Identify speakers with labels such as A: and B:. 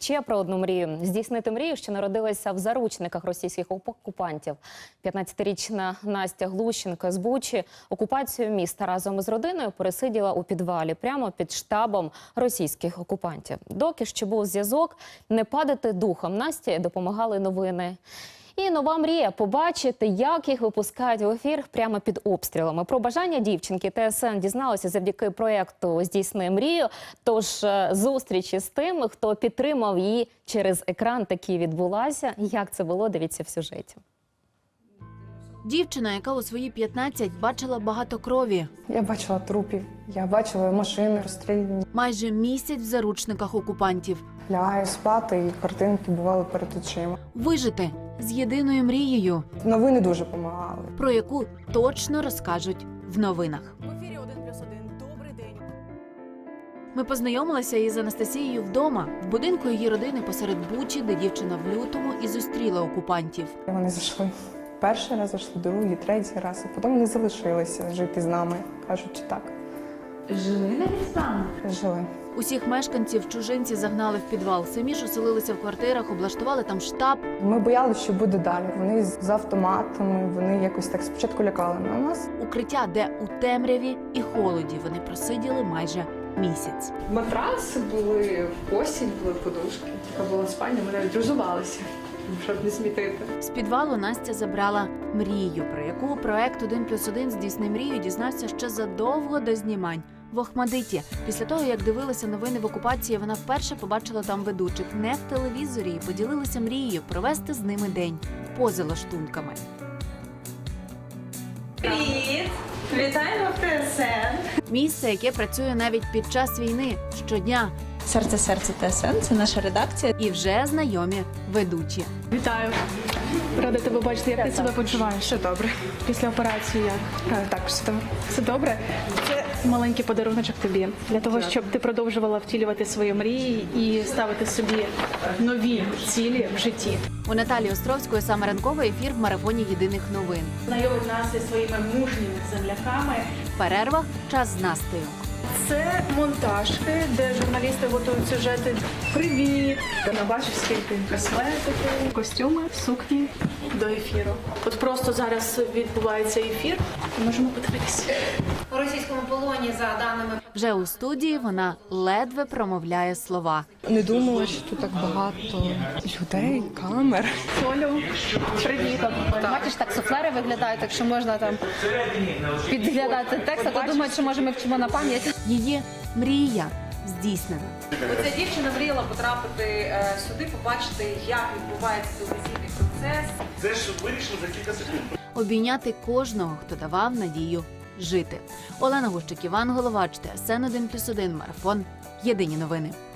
A: ще про одну мрію. Здійснити мрію, що народилася в заручниках російських окупантів. 15-річна Настя Глущенко з Бучі окупацію міста разом із родиною пересиділа у підвалі, прямо під штабом російських окупантів. Доки ще був зв'язок, не падати духом Насті допомагали новини. І нова мрія – побачити, як їх випускають в ефір прямо під обстрілами. Про бажання дівчинки ТСН дізналося завдяки проєкту «Здійсни мрію». Тож зустрічі з тими, хто підтримав її через екран, таки відбулася. Як це було, дивіться в сюжеті.
B: Дівчина, яка у свої 15 бачила багато крові.
C: Я бачила трупів, я бачила машини розстріляні.
B: Майже місяць в заручниках окупантів.
C: Лягаю спати, і картинки бували перед очима.
B: Вижити з єдиною мрією,
C: Новини дуже допомагали.
B: про яку точно розкажуть в новинах.
D: В ефірі 1+1. Добрий день.
B: Ми познайомилися із Анастасією вдома, в будинку її родини посеред Бучі, де дівчина в лютому і зустріла окупантів.
C: І вони зайшли. Перший раз зайшли, другий, третій раз. І потім вони залишилися жити з нами, кажучи так.
B: Жили навіть з вами?
C: Жили.
B: Усіх мешканців чужинці загнали в підвал. Самі ж оселилися в квартирах, облаштували там штаб.
C: Ми боялися, що буде далі. Вони з автоматами, вони якось так спочатку лякали на нас.
B: Укриття, де у темряві і холоді вони просиділи майже місяць.
E: Матраси були, постіль були, подушки. Така була спальня, ми навіть розувалися, щоб не смітити.
B: З підвалу Настя забрала мрію, про яку проект «1+1. Здійсни мрію» дізнався ще задовго до знімань. В Охмадиті. Після того, як дивилися новини в окупації, вона вперше побачила там ведучих не в телевізорі і поділилася мрією провести з ними день поза лаштунками.
F: Привіт! Вітаємо в ТСН!
B: Місце, яке працює навіть під час війни, щодня.
F: Серце ТСН – це наша редакція.
B: І вже знайомі ведучі.
G: Вітаю. Рада тебе бачити. Як ти себе почуваєш?
E: Все добре.
G: Після операції як?
E: Так, все добре.
G: Все добре? Це маленький подаруночок тобі. Для того, щоб ти продовжувала втілювати свої мрії і ставити собі нові цілі в житті.
B: У Наталії Островської саме ранковий ефір в марафоні єдиних новин.
G: Знайомить нас зі своїми мужніми земляками.
B: В перервах час з Настею.
G: Це монтажки, де журналісти готують сюжети. Привіт! Ти не бачиш, скільки косметики, костюми, сукні до ефіру. От просто зараз відбувається ефір. Можемо подивитися.
H: У російському полоні, за даними
B: Вже у студії вона ледве промовляє слова.
C: Не думала, що тут так багато людей, камер.
G: Олю, привіт.
I: Бачиш, так суфлери виглядають, так що можна там підглядати текст, а то думають, що може ми вчимо на пам'ять.
B: Її мрія здійснена.
J: Оця дівчина мріяла потрапити сюди, побачити, як відбувається телевізійний процес.
K: Це ж вирішили за кілька секунд.
B: Обійняти кожного, хто давав надію жити. Олена Гущик, Іван Головач, ТСН 1+1, марафон. Єдині новини.